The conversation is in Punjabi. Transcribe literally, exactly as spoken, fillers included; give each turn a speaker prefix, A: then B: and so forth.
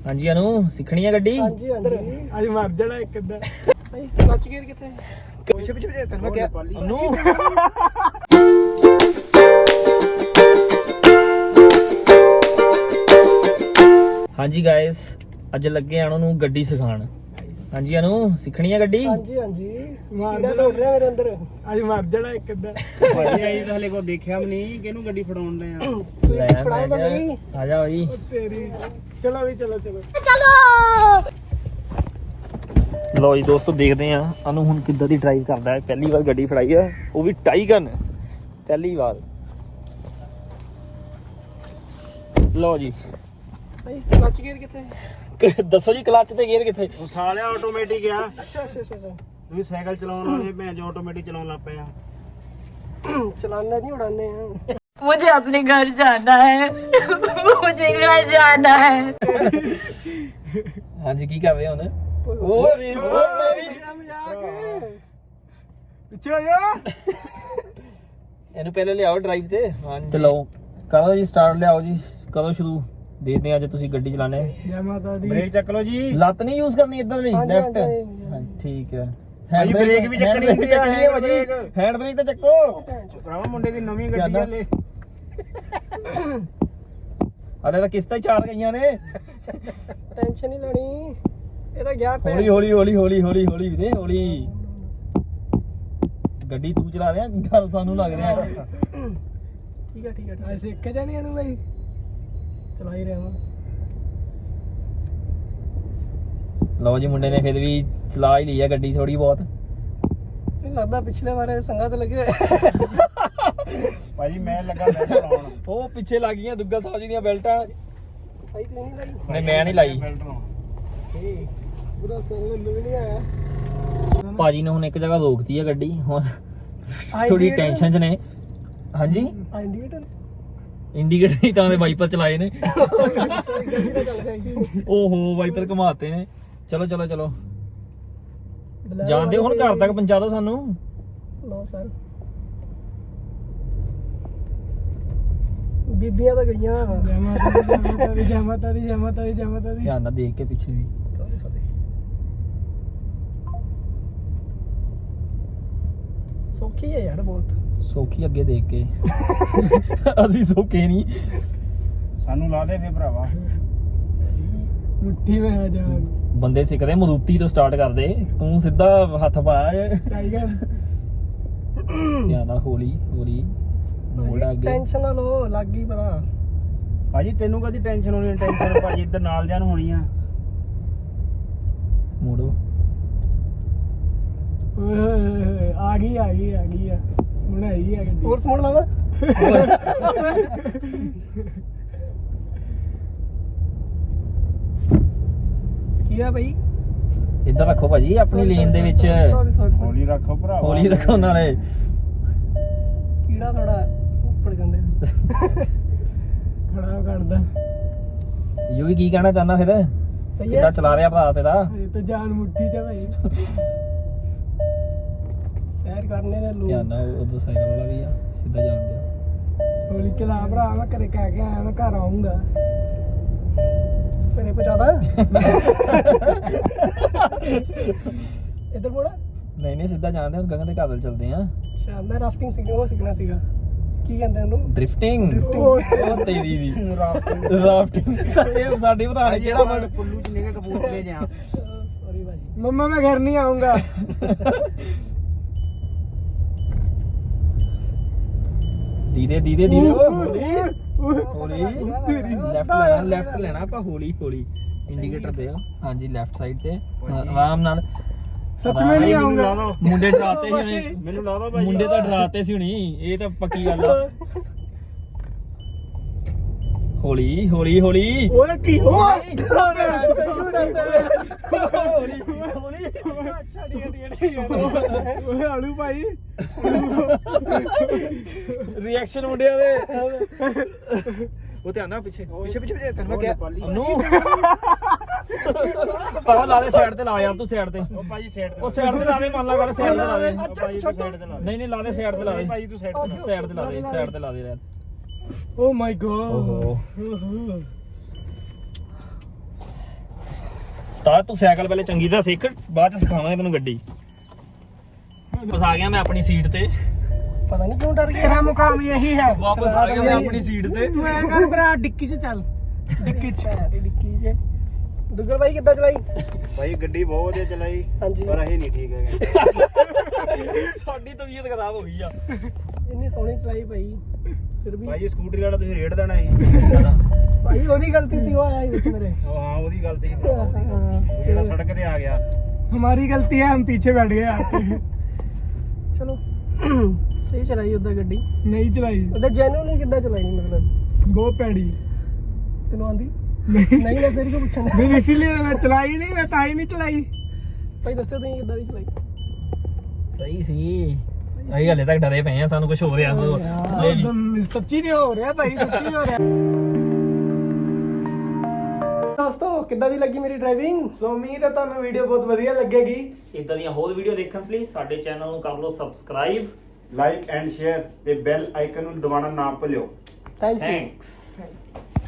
A: ਹਾਂਜੀ ਅਨੂ ਸਿੱਖਣੀ ਆ ਗੱਡੀ।
B: ਹਾਂਜੀ ਹਾਂਜੀ ਅੱਜ ਮਰ ਜਾਣਾ ਇੱਕ ਅੱਧਾ। ਭਾਈ ਕਲਚ ਗੇਅਰ ਕਿੱਥੇ? ਪਿੱਛੇ ਪਿੱਛੇ ਪਿੱਛੇ ਤੈਨੂੰ ਮੈਂ ਕਿਹਾ ਅਨੂ। ਹਾਂਜੀ ਗਾਇਸ ਅੱਜ ਲੱਗੇ ਆਣੋ ਨੂੰ ਗੱਡੀ ਸਿਖਾਉਣ। ਹਾਂਜੀ ਅਨੂ ਸਿੱਖਣੀ ਆ ਗੱਡੀ। ਹਾਂਜੀ ਹਾਂਜੀ ਕੀੜਾ ਦੌੜ ਰਿਹਾ ਮੇਰੇ ਅੰਦਰ। ਅੱਜ ਮਰ ਜਾਣਾ ਇੱਕ ਅੱਧਾ।
C: ਭਾਈ ਆਈ ਤਾਂ ਹਲੇ ਕੋ ਦੇਖਿਆ ਵੀ ਨਹੀਂ ਕਿਹਨੂੰ ਗੱਡੀ ਫੜਾਉਣ ਦੇ ਆ।
A: ਲੈ ਫੜਾਓ ਤਾਂ ਨਹੀਂ ਆ ਜਾ ਬਈ।
B: ਤੇਰੀ ਚਲੋ ਵੀ ਚਲੋ ਚਲੋ
A: ਚਲੋ। ਲੋ ਜੀ ਦੋਸਤੋ ਦੇਖਦੇ ਆ ਅਨੂ ਹੁਣ ਕਿੱਦਾਂ ਦੀ ਡਰਾਈਵ ਕਰਦਾ ਹੈ। ਪਹਿਲੀ ਵਾਰ ਗੱਡੀ ਫੜਾਈ ਆ ਉਹ ਵੀ ਟਾਈਗਨ ਪਹਿਲੀ ਵਾਰ। ਲੋ ਜੀ
B: ਭਾਈ ਕਲਚ ਗੇਅਰ ਕਿੱਥੇ?
A: ਦੱਸੋ ਜੀ ਕਲੱਚ ਤੇ ਗੇਅਰ ਕਿੱਥੇ?
C: ਉਹ ਸਾਲਿਆ ਆਟੋਮੈਟਿਕ ਆ।
B: ਅੱਛਾ ਅੱਛਾ ਅੱਛਾ
C: ਤੁਸੀਂ ਸਾਈਕਲ ਚਲਾਉਣ ਵਾਲੇ ਭੈਣ ਜੋ ਆਟੋਮੈਟਿਕ ਚਲਾਉਣ ਲੱਗ ਪਏ ਆ।
B: चलाना नहीं उड़ाने हैं।
D: मुझे अपने घर जाना है। मुझे घर जाना है।
A: हाँ जी की कर रहे हैं ओ रीस ओ मेरी
B: पीछे हो जा।
A: ਇਹਨੂੰ ਪਹਿਲੇ ਲਿਆਓ ਡਰਾਈਵ ਤੇ। ਹਾਂ ਤੇ ਲਓ ਕਰੋ ਜੀ ਸਟਾਰਟ ਲਿਆਓ ਜੀ ਕਰੋ ਸ਼ੁਰੂ। ਦੇਖਦੇ ਆ ਅੱਜ ਤੁਸੀਂ ਗੱਡੀ ਚਲਾਣੇ।
B: जय माता दी।
C: ਬ੍ਰੇਕ ਚੱਕ ਲਓ ਜੀ।
A: ਲੱਤ ਨਹੀਂ ਯੂਜ਼ ਕਰਨੀ ਇਦਾਂ ਨਹੀਂ ਲੈਫਟ। ਹਾਂ ਠੀਕ ਹੈ
C: ਭਾਈ ਬ੍ਰੇਕ ਵੀ ਚੱਕਣੀ ਹੁੰਦੀ ਆ।
A: ਹੈ ਭਾਜੀ ਹੈਂਡ ਬ੍ਰੇਕ ਤਾਂ ਚੱਕੋ।
C: ਭਰਾਵਾ ਮੁੰਡੇ ਦੀ ਨਵੀਂ ਗੱਡੀ ਆ ਲੈ।
A: ਅਰੇ ਤਾਂ ਕਿਸ਼ਤਾਂ ਹੀ ਚਾਰ ਗਈਆਂ ਨੇ।
B: टेंशन नहीं लेनी ਇਹਦਾ ਗਿਆ ਪੈ।
A: ਹੌਲੀ ਹੌਲੀ ਹੌਲੀ ਹੌਲੀ ਹੌਲੀ ਹੌਲੀ ਵੀਰੇ ਹੌਲੀ। ਗੱਡੀ ਤੂੰ ਚਲਾ ਰਿਹਾ ਗੱਲ ਸਾਨੂੰ ਲੱਗ ਰਿਹਾ।
B: ਠੀਕ ਹੈ ਠੀਕ ਹੈ ਠੀਕ ਹੈ ਸਿੱਖ ਜਾਣੀ ਇਹਨੂੰ ਭਾਈ ਚਲਾ ਹੀ ਰਿਹਾ ਹਾਂ।
A: ਲਓ ਜੀ ਮੁੰਡੇ ਨੇ ਫਿਰ ਵੀ ਚਲਾ ਹੀ ਲਈ ਆ ਗੱਡੀ ਥੋੜੀ ਬਹੁਤ।
B: ਨਹੀਂ ਲੱਗਦਾ ਪਿਛਲੇ ਵਾਰੇ ਸੰਗਾਂ ਤੇ ਲੱਗੇ
C: ਭਾਜੀ ਮੈਂ ਲੱਗਾ ਬੈਲਟ ਲਾਉਣ।
A: ਉਹ ਪਿੱਛੇ ਲੱਗ ਗਈਆਂ ਦੁੱਗਾ ਸਾਹਿਬ ਜੀ ਦੀਆਂ ਬੈਲਟਾਂ।
B: ਭਾਈ ਤੂੰ ਨਹੀਂ ਲਾਈ?
A: ਨਹੀਂ ਮੈਂ ਨਹੀਂ ਲਾਈ।
C: ਬੈਲਟ ਲਾਉਣ
B: ਪੂਰਾ ਸੰਗ ਨੂੰ ਵੀ ਨਹੀਂ ਆਇਆ।
A: ਭਾਜੀ ਨੇ ਹੁਣ ਇੱਕ ਜਗ੍ਹਾ ਰੋਕਤੀ ਆ ਗੱਡੀ ਹੁਣ ਥੋੜੀ ਟੈਨਸ਼ਨ ਚ ਨੇ। ਹਾਂਜੀ
B: ਇੰਡੀਕੇਟਰ
A: ਇੰਡੀਕੇਟਰ ਹੀ ਤਾਂ ਦੇ ਵਾਈਪਰ ਚਲਾਏ ਨੇ। ਓਹੋ ਵਾਈਪਰ ਘੁਮਾਤੇ ਨੇ। ਚਲੋ ਚਲੋ ਚਲੋ ਜਾਣਦੇ ਹੁਣ ਘਰ ਤੱਕ ਪਹੁੰਚਾ ਦਿਓ ਸਾਨੂੰ।
B: ਲੋ ਸਰ ਬੀਬੀਆਂ ਤਾਂ ਗਈਆਂ। ਜੈ ਮਾਤਾ ਦੀ ਜੈ ਮਾਤਾ ਦੀ ਜੈ ਮਾਤਾ ਦੀ ਜੈ ਮਾਤਾ ਦੀ।
A: ਧਿਆਨ ਨਾਲ ਦੇਖ ਕੇ ਪਿੱਛੇ ਵੀ।
B: ਸੌਰੀ ਸੌਰੀ ਸੌਖੀ ਹੈ ਯਾਰ ਬਹੁਤ।
A: ਸੌਖੀ ਅੱਗੇ ਦੇਖ ਕੇ। ਅਸੀਂ ਸੌਖੇ ਨਹੀਂ।
C: ਸਾਨੂੰ ਲਾ ਦੇ ਫੇ ਭਰਾਵਾ।
B: ਮੁੱਠੀ ਵਿੱਚ ਆ ਜਾ।
A: ਬੰਦੇ ਸਿੱਖਦੇ ਮਰੂਤੀ ਤੋਂ ਸਟਾਰਟ ਕਰਦੇ ਤੂੰ ਸਿੱਧਾ ਹੱਥ ਪਾ।
B: ਟਾਈਗਰ
A: ਧਿਆਨ ਨਾਲ ਹੌਲੀ ਹੌਲੀ ਮੋੜ ਅੱਗੇ।
B: ਟੈਨਸ਼ਨ ਨਾ ਲੋ ਲੱਗ ਗਈ ਪਤਾ।
C: ਭਾਜੀ ਤੈਨੂੰ ਕਦੀ ਟੈਨਸ਼ਨ ਹੋਣੀ? ਟੈਨਸ਼ਨ ਭਾਜੀ ਇੱਧਰ ਨਾਲ ਜਾਨ ਹੋਣੀ ਆ।
A: ਮੋੜੋ
B: ਓਏ ਆ ਗਈ ਆ ਗਈ ਆ ਗਈ ਆ ਹੁਣ ਆਈ ਆ ਗੱਡੀ। ਹੋਰ ਮੋੜ ਲਾਵਾ। ਕੀ ਆ ਭਾਈ?
A: ਇੱਧਰ ਰੱਖੋ ਭਾਜੀ ਆਪਣੀ ਲੇਨ ਦੇ ਵਿੱਚ।
B: ਸੌਰੀ ਸੌਰੀ
C: ਹੌਲੀ ਰੱਖੋ ਭਰਾਵਾ।
A: ਹੌਲੀ ਰੱਖੋ ਨਾਲੇ।
B: ਕੀੜਾ ਥੋੜਾ ਉੱਪਰ ਜਾਂਦੇ ਖੜਾ ਕਰਦਾ।
A: ਯੂ ਵੀ ਕੀ ਕਹਿਣਾ ਚਾਹੁੰਦਾ ਫਿਰ?
B: ਸਹੀ
A: ਕਿੱਦਾਂ
B: ਹੈ
A: ਚਲਾ ਰਿਹਾ ਭਰਾ ਤੇਰਾ?
B: ਇਹ ਤਾਂ ਜਾਨ ਮੁੱਠੀ ਚ ਭਾਈ। ਸੈਰ ਕਰਨੇ ਨੇ ਲੋਕ।
A: ਧਿਆਨ ਨਾਲ ਉਧਰ ਸਾਈਕਲ ਵਾਲਾ ਵੀ ਆ ਸਿੱਧਾ ਜਾਣ ਦਿਓ।
B: ਹੌਲੀ ਚਲਾ ਭਰਾ ਮੈਂ ਘਰੇ ਕਹਿ ਕੇ ਆਇਆ ਮੈਂ ਘਰ ਆਉਂਗਾ। ਘਰੇ ਪਹੁੰਚਾਦਾ। ਇੱਧਰ ਮੋੜਾ।
A: ਨਹੀਂ ਨਹੀਂ ਸਿੱਧਾ ਜਾਣਦੇ ਹੁਣ ਗਗਨ ਦੇ ਘਰ ਵੱਲ ਚੱਲਦੇ ਆ।
B: ਅੱਛਾ ਮੈਂ ਰਾਫਟਿੰਗ ਸਿੱਖਣਾ ਉਹ ਸਿੱਖਣਾ ਸੀਗਾ। ਕੀ ਕਹਿੰਦੇ ਉਹਨੂੰ?
A: ਡ੍ਰਿਫਟਿੰਗ। ਉਹ ਤੇਰੀ ਦੀ ਰਾਫਟਿੰਗ। ਇਹ ਸਾਡੀ ਭਰਾ ਨੇ ਕਿਹੜਾ ਵਰਡ
C: ਪੁੱਲੂ ਚ ਨਿਕਲ ਕਪੂਰਥਲੇ ਜਾ।
B: ਸੌਰੀ ਭਾਜੀ। ਮੰਮਾ ਮੈਂ ਘਰ ਨਹੀਂ ਆਉਂਗਾ।
A: ਦੀਦੇ ਦੀਦੇ ਦੀਦੇ ਹੌਲੀ ਹੌਲੀ ਲੈਫਟ ਲੈਣਾ ਲੈਫਟ ਲੈਣਾ ਆਪਾਂ ਹੌਲੀ ਹੌਲੀ। ਇੰਡੀਕੇਟਰ ਦੇ ਆ। ਹਾਂਜੀ ਲੈਫਟ ਸਾਈਡ ਤੇ ਆਰਾਮ ਨਾਲ।
B: ਸੱਚ ਮੈਂ ਨਹੀਂ ਆਉਂਗਾ।
A: ਮੁੰਡੇ ਡਰਾਤੇ ਸੀ ਹੁਣੇ।
C: ਮੈਨੂੰ ਲਾ ਦੋ ਭਾਜੀ।
A: ਮੁੰਡੇ ਤਾਂ ਡਰਾਤੇ ਸੀ ਹੁਣੀ। ਇਹ ਤਾਂ ਪੱਕੀ ਗੱਲ ਆ। ਹੌਲੀ ਹੌਲੀ ਹੌਲੀ।
B: ਓਏ ਕੀ ਓਏ
A: ਹੌਲੀ ਹੌਲੀ।
B: ਅੱਛਾ ਠੀਕ ਹੈ ਠੀਕ ਹੈ। ਓਏ ਆਲੂ ਭਾਈ
A: ਰਿਐਕਸ਼ਨ ਮੁੰਡਿਆਂ ਦੇ। ਉਹ ਧਿਆਨ ਨਾਲ ਪਿੱਛੇ ਪਿੱਛੇ ਪਿੱਛੇ ਪਿੱਛੇ ਤੈਨੂੰ ਮੈਂ ਕਿਹਾ ਨੂੰ। ਆਹ ਲਾ ਦੇ ਸਾਈਡ ਤੇ ਲਾ ਯਾਰ ਤੂੰ ਸਾਈਡ ਤੇ।
C: ਉਹ ਭਾਜੀ ਸਾਈਡ ਤੇ।
A: ਉਹ ਸਾਈਡ ਤੇ ਲਾ ਦੇ ਮੰਨ ਲਾ ਕਰ ਸਾਈਡ ਤੇ ਲਾ ਦੇ।
C: ਭਾਜੀ ਤੂੰ ਸਾਈਡ ਤੇ ਲਾ ਦੇ।
A: ਨਹੀਂ ਨਹੀਂ ਲਾ ਦੇ ਸਾਈਡ ਤੇ ਲਾ ਦੇ।
C: ਭਾਜੀ ਤੂੰ ਸਾਈਡ ਤੇ ਲਾ ਦੇ।
A: ਸਾਈਡ ਤੇ ਲਾ ਦੇ ਸਾਈਡ ਤੇ ਲਾ ਦੇ ਯਾਰ।
B: Oh my God.
A: ਓਹੋ
B: ਉਸਤਾਦ ਤੂੰ ਸਾਈਕਲ ਪਹਿਲੇ ਚੰਗੀ ਤਰ੍ਹਾਂ ਸਿੱਖ, ਬਾਅਦ ਚ ਸਿਖਾਵਾਂਗੇ ਤੈਨੂੰ ਗੱਡੀ। ਵਾਪਸ ਆ ਗਿਆ ਮੈਂ ਆਪਣੀ ਸੀਟ ਤੇ।
C: ਪਤਾ ਨਹੀਂ ਕਿਉਂ ਡਰ ਗਿਆ। ਤੇਰਾ ਮੁਕਾਮ ਇਹੀ ਹੈ।
B: ਵਾਪਸ ਆ ਗਿਆ ਮੈਂ ਆਪਣੀ ਸੀਟ ਤੇ।
C: ਤੂੰ ਐ ਕਰ ਭਰਾ ਡਿੱਕੀ 'ਚ ਚੱਲ। ਡਿੱਕੀ 'ਚ ਡਿੱਕੀ 'ਚ ਦੁੱਗਲ ਭਾਈ ਕਿੱਦਾਂ ਚਲਾਈ?
E: ਭਾਈ ਗੱਡੀ ਬਹੁਤ ਵਧੀਆ ਚਲਾਈ,
C: ਹਾਂਜੀ
E: ਪਰ ਅਸੀਂ ਨਹੀਂ ਠੀਕ ਹੈਗੇ।
B: ਸਾਡੀ ਤਬੀਅਤ ਖਰਾਬ ਹੋ ਗਈ ਆ।
C: ਇੰਨੀ ਸੋਹਣੀ ਚਲਾਈ ਭਾਈ, ਫਿਰ ਵੀ
E: ਭਾਈ ਸਕੂਟਰੀ ਵਾਲਾ ਤੁਸੀਂ ਰੇਡ ਦੇਣਾ ਸੀ।
C: ਭਾਈ ਉਹਦੀ ਗਲਤੀ ਸੀ, ਉਹ ਆਇਆ ਵਿੱਚ ਮੇਰੇ।
E: ਉਹ ਹਾਂ ਉਹਦੀ ਗਲਤੀ ਸੀ ਭਰਾ। ਉਹ ਜਿਹੜਾ ਸੜਕ ਤੇ ਆ ਗਿਆ।
C: हमारी गलती है, हम पीछे बैठ गए आके। चलो सही चलाई उधर गड्डी नहीं चलाई उधर जेन्युइनली कितना चलाई मतलब बहुत पैड़ी तेन आंदी नहीं नहीं मैं फिर क्यों पूछा फिर इसीलिए मैं चलाई नहीं, मैं ताई नहीं चलाई भाई दसो तुम कितना दी चलाई
B: ਸਹੀ ਸੀ। ਅਸੀਂ ਹਲੇ ਤੱਕ ਡਰੇ ਪਏ ਆ, ਸਾਨੂੰ ਕੁਝ ਹੋ ਰਿਹਾ।
C: सच्ची नहीं हो रहा भाई, सच्ची नहीं हो रहा। ਦੋਸਤੋ ਕਿੱਦਾਂ ਦੀ ਲੱਗੀ ਮੇਰੀ ਡਰਾਈਵਿੰਗ? ਸੋ ਉਮੀਦ ਹੈ ਤੁਹਾਨੂੰ ਵੀਡੀਓ ਬਹੁਤ ਵਧੀਆ ਲੱਗੇਗੀ।
B: ਇਦਾਂ ਦੀਆਂ ਹੋਰ ਵੀਡੀਓ ਦੇਖਣ ਲਈ ਸਾਡੇ ਚੈਨਲ ਨੂੰ ਕਰ ਲਓ ਸਬਸਕ੍ਰਾਈਬ,
E: ਲਾਈਕ ਐਂਡ ਸ਼ੇਅਰ ਤੇ ਬੈਲ ਆਈਕਨ ਨੂੰ ਦਬਾਉਣਾ ਨਾ ਭੁੱਲਿਓ।
C: Thank you.
B: ਥੈਂਕਸ।